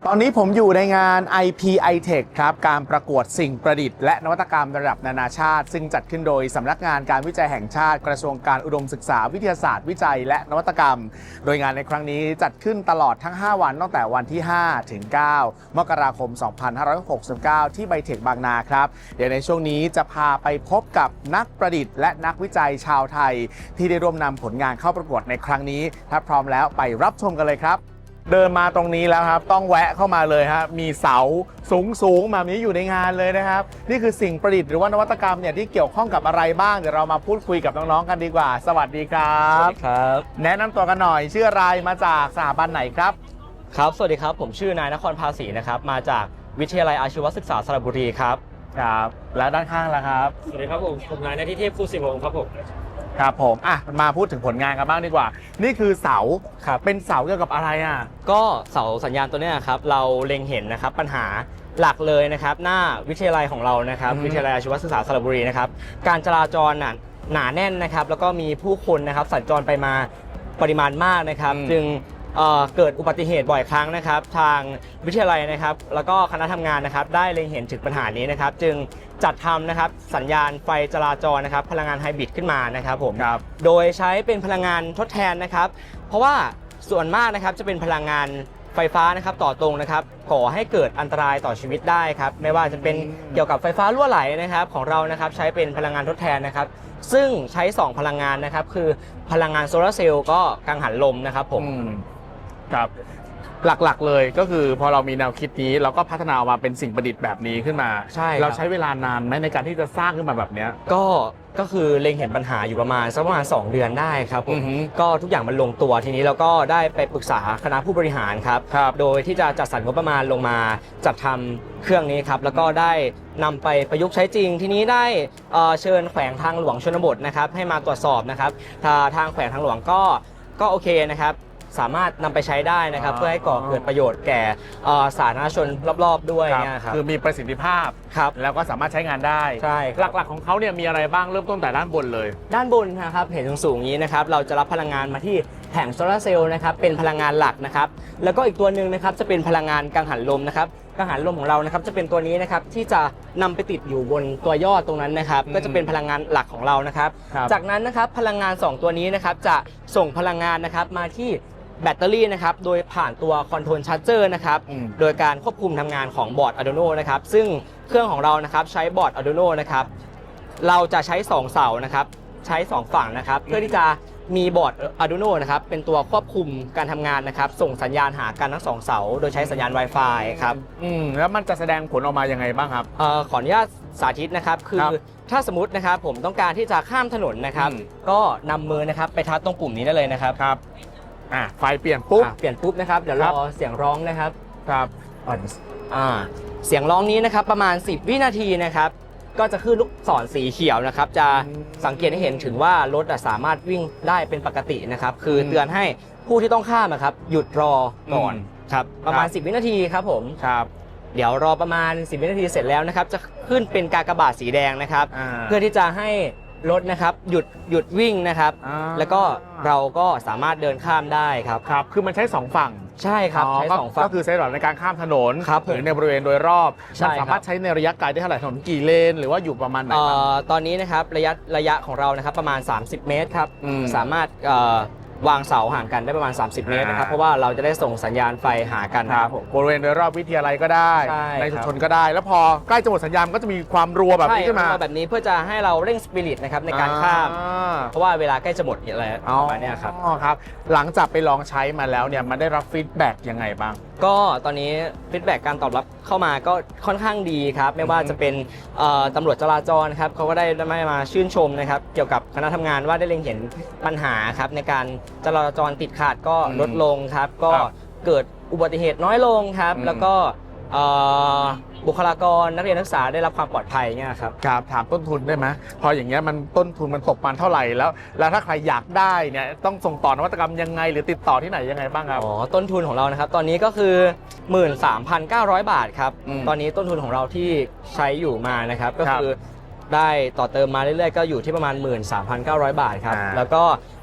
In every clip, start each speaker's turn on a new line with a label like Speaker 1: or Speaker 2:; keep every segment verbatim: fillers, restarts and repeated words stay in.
Speaker 1: ตอนนี้ผมอยู่ในงาน ไอ พี ไอ เทค ครับการประกวดสิ่งประดิษฐ์และนวัตกรรมระดับนานาชาติซึ่งจัดขึ้นโดยสำนักงานการวิจัยแห่งชาติกระทรวงการอุดมศึกษาวิทยาศาสตร์วิจัยและนวัตกรรมโดยงานในครั้งนี้จัดขึ้นตลอดทั้งห้าวันตั้งแต่วันที่ห้าถึงเก้ามกราคมสองพันห้าร้อยหกสิบเก้าที่ไบเทคบางนาครับเดี๋ยวในช่วงนี้จะพาไปพบกับนักประดิษฐ์และนักวิจัยชาวไทยที่ได้ร่วมนำผลงานเข้าประกวดในครั้งนี้ถ้าพร้อมแล้วไปรับชมกันเลยครับเดินมาตรงนี้แล้วครับต้องแวะเข้ามาเลยครับมีเสาสูงสูงแบบนี้อยู่ในงานเลยนะครับนี่คือสิ่งประดิษฐ์หรือว่านวัตกรรมเนี่ยที่เกี่ยวข้องกับอะไรบ้างเดี๋ยวเรามาพูดคุยกับน้องๆกันดีกว่าสวัสดีครับ
Speaker 2: สวัสดีครับ
Speaker 1: แนะนำตัวกันหน่อยชื่ออะไรมาจากสถาบันไหนครับ
Speaker 2: ครับสวัสดีครับผมชื่อนายนครภาษีนะครับมาจากวิทยาลัยอาชีวศึกษาสระบุรีครับ
Speaker 1: ครับและด้านข้างล่ะครับ
Speaker 3: สวัสดีครับผมผมนายณทิเทพ ภูสิวงศ์ครับผม
Speaker 1: ครับผมอ่ะมาพูดถึงผลงานกันบ้างดีกว่านี่คือเสา
Speaker 2: ครับ
Speaker 1: เป็นเสาเกี่ยวกับอะไรอ่ะ
Speaker 2: ก็เสาสัญญาณตัวนี้ครับเราเล็งเห็นนะครับปัญหาหลักเลยนะครับหน้าวิทยาลัยของเรานะครับวิทยาลัยอาชีวศึกษาสระบุรีนะครับการจราจรน่ะหนาแน่นนะครับแล้วก็มีผู้คนนะครับสัญจรไปมาปริมาณมากนะครับจึงเอ่อเกิดอุบัติเหตุบ่อยครั้งนะครับทางวิทยาลัยนะครับแล้วก็คณะทำงานนะครับได้เล็งเห็นถึงปัญหานี้นะครับจึงจัดทำนะครับสัญญาณไฟจราจรนะครับพลังงานไฮบริดขึ้นมานะครับผมโดยใช้เป็นพลังงานทดแทนนะครับเพราะว่าส่วนมากนะครับจะเป็นพลังงานไฟฟ้านะครับต่อตรงนะครับก่อให้เกิดอันตรายต่อชีวิตได้ครับไม่ว่าจะเป็นเกี่ยวกับไฟฟ้ารั่วไหลนะครับของเรานะครับใช้เป็นพลังงานทดแทนนะครับซึ่งใช้สองพลังงานนะครับคือพลังงานโซลาร์เซลล์ก็กังหันลมนะครับผม
Speaker 1: ครับหลักๆเลยก็คือพอเรามีแนวคิดนี้เราก็พัฒนาออกมาเป็นสิ่งประดิษฐ์แบบนี้ขึ้นมา
Speaker 2: ใช่
Speaker 1: เราใช้เวลานานไหมในการที่จะสร้างขึ้นมาแบบนี้
Speaker 2: ก็ก็คือเล็งเห็นปัญหาอยู่ประมาณสักประมาณสองเดือนได้ครับผมก็ทุกอย่างมันลงตัวทีนี้เราก็ได้ไปปรึกษาคณะผู้บริหารครับโดยที่จะจัดสรรงบประมาณลงมาจัดทำเครื่องนี้ครับแล้วก็ได้นำไปประยุกต์ใช้จริงทีนี้ได้เชิญแขวงทางหลวงชนบทนะครับให้มาตรวจสอบนะครับทางแขวงทางหลวงก็ก็โอเคนะครับสามารถนำไปใช้ได้นะครับเพื่อให้ก่อเกิดประโยชน์แก่สาธารณชนรอบๆด้วยนะครับ
Speaker 1: คือมีประสิทธิภาพ
Speaker 2: ครับ
Speaker 1: แล้วก็สามารถใช้งานได้
Speaker 2: ใช่
Speaker 1: หลักๆของเขาเนี่ยมีอะไรบ้างเริ่มต้นแต่ด้านบนเลย
Speaker 2: ด้านบนนะครับเห็นสูงๆนี้นะครับเราจะรับพลังงานมาที่แผงโซลาร์เซลล์นะครับเป็นพลังงานหลักนะครับแล้วก็อีกตัวหนึ่งนะครับจะเป็นพลังงานกังหันลมนะครับกังหันลมของเรานะครับจะเป็นตัวนี้นะครับที่จะนำไปติดอยู่บนตัวยอดตรงนั้นนะครับก็จะเป็นพลังงานหลักของเรานะครับจากนั้นนะครับพลังงานสองตัวนี้นะครับจะส่งพลังงานนะครับมาที่แบตเตอรี่นะครับโดยผ่านตัวคอนโทรลชาร์จเจอร์นะครับโดยการควบคุมทำงานของบอร์ด Arduino นะครับซึ่งเครื่องของเรานะครับใช้บอร์ด Arduino นะครับเราจะใช้สองเสานะครับใช้สองฝั่งนะครับเพื่อที่จะมีบอร์ด Arduino นะครับเป็นตัวควบคุมการทำงานนะครับส่งสัญญาณหากันทั้งสองเสาโดยใช้สัญญาณ Wi-Fi ครับ
Speaker 1: อืมแล้วมันจะแสดงผลออกมายังไงบ้างครับ
Speaker 2: เอ่อขออนุญาตสาธิตนะครับคือถ้าสมมตินะครับผมต้องการที่จะข้ามถนนนะครับก็นำมือนะครับไปทัดตรงปุ่มนี้ได้เลยนะครับ
Speaker 1: ครับอ่ะไฟเปลี่ยนปุ๊บ
Speaker 2: เปลี่ยนปุ๊บนะครับเดี๋ยวรอเสียงร้องนะครับ
Speaker 1: ครับ
Speaker 2: อ่าเสียงร้องนี้นะครับประมาณสิบวินาทีนะครับก็จะขึ้นลูกศรสีเขียวนะครับจะสังเกตให้เห็นถึงว่ารถสามารถวิ่งได้เป็นปกตินะครับคือเตือนให้ผู้ที่ต้องข้ามนะครับหยุดรอก่อนครับประมาณสิบวินาทีครับผม
Speaker 1: ครับ
Speaker 2: เดี๋ยวรอประมาณสิบวินาทีเสร็จแล้วนะครับจะขึ้นเป็นกากบาทสีแดงนะครับเพื่อที่จะให้รถนะครับหยุดหยุดวิ่งนะครับแล้วก็เราก็สามารถเดินข้ามได้ครับ
Speaker 1: ครับคือมันใช้สองฝั่ง
Speaker 2: ใช่ครับใช้สองฝั่ง
Speaker 1: ก็คือใช้สำหรับในการข้ามถนนหรือในบริเวณโดยรอบ
Speaker 2: มัน
Speaker 1: สามารถใช้ในระยะไกลได้เท่าไหร่ถนนกี่เลนหรือว่าอยู่ประมาณไหน
Speaker 2: ตอนนี้นะครับระยะระยะของเรานะครับประมาณสามสิบเมตรครับสามารถวางเสาห่างกันได้ประมาณสามสิบเมตรนะครับเพราะว่าเราจะได้ส่งสัญญาณไฟหากัน
Speaker 1: ครับบริเวณโดยรอบวิทยาลัยก็ได้ในชุมชนก็ได้แล้วพอใกล้จะหมดสัญญาณก็จะมีความรัวแบบนี้ขึ้นมา
Speaker 2: แบบนี้เพื่อจะให้เราเร่งสปิริตนะครับในการข้ามเพราะว่าเวลาใกล้จะหมดอะไรประมาณนี้ครับ
Speaker 1: อ๋อครับหลังจากไปลองใช้มาแล้วเนี่ยมันได้รับฟีดแบ็กยังไงบ้าง
Speaker 2: ก็ตอนนี้ฟีดแบ็กการตอบรับเข้ามาก็ค่อนข้างดีครับไม่ว่าจะเป็นตำรวจจราจรครับเขาก็ได้ได้มาชื่นชมนะครับเกี่ยวกับคณะทำงานว่าได้เล็งเห็นปัญหาครับในการจราจรติดขัดก็ลดลงครับก็เกิดอุบัติเหตุน้อยลงครับแล้วก็บุคลากรนักเรียนนักศึกษาได้รับความปลอดภัยเนี่ยครับ
Speaker 1: ครับถามต้นทุนได้ไหมพออย่างเงี้ยมันต้นทุนมันตกมันเท่าไหร่แล้วแล้วถ้าใครอยากได้เนี่ยต้องส่งต่อนวัตกรรมยังไงหรือติดต่อที่ไหนยังไงบ้างครับ
Speaker 2: อ๋อต้นทุนของเรานะครับตอนนี้ก็คือ หนึ่งหมื่นสามพันเก้าร้อย บาทครับตอนนี้ต้นทุนของเราที่ใช้อยู่มานะครับก็คือได้ต่อเติมมาเรื่อยๆก็อยู่ที่ประมาณ หนึ่งหมื่นสามพันเก้าร้อย บาทครับแล้วก็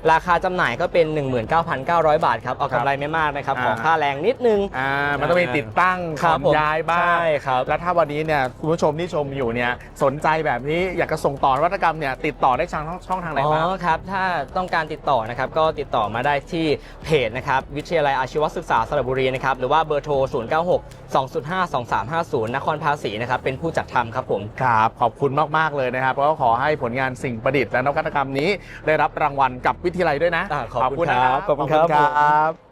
Speaker 2: ราคาจำหน่ายก็เป็น หนึ่งหมื่นเก้าพันเก้าร้อย บาทครับเอากำไรไม่มากนะครับ
Speaker 1: อ่า
Speaker 2: ของค่าแรงนิดนึง
Speaker 1: อ่ามันต้องมีติดตั้ง
Speaker 2: ครับ
Speaker 1: ขนย้ายบ้าง
Speaker 2: ใช่ครับ
Speaker 1: แล้วถ้าวันนี้เนี่ยคุณผู้ชมที่ชมอยู่เนี่ยสนใจแบบนี้อยากจะส่งต่อนวัตกรรมเนี่ยติดต่อได้ทางช่องทางไหน
Speaker 2: อ๋
Speaker 1: บ้าง
Speaker 2: อครับถ้าต้องการติดต่อนะครับก็ติดต่อมาได้ที่เพจนะครับวิทยาลัยอาชีวศึกษาสระบุรีนะครับหรือว่าเบอร์โทร ศูนย์ เก้า หก สอง ศูนย์ ห้า สอง สาม ห้า ศูนย์ นครภาษีนะครับเป็นผู้จัดทำครับผม
Speaker 1: ครับขอบคุณมาก ๆ เลยนะครับเพราะว่าขอให้ผลงานสิ่งประดิษฐ์และนวัตกรรมนี้ได้รับรางวัลกับวิทยาลัยด้วยนะ
Speaker 2: อ่าขอบคุณครับ
Speaker 1: ขอบคุณครับ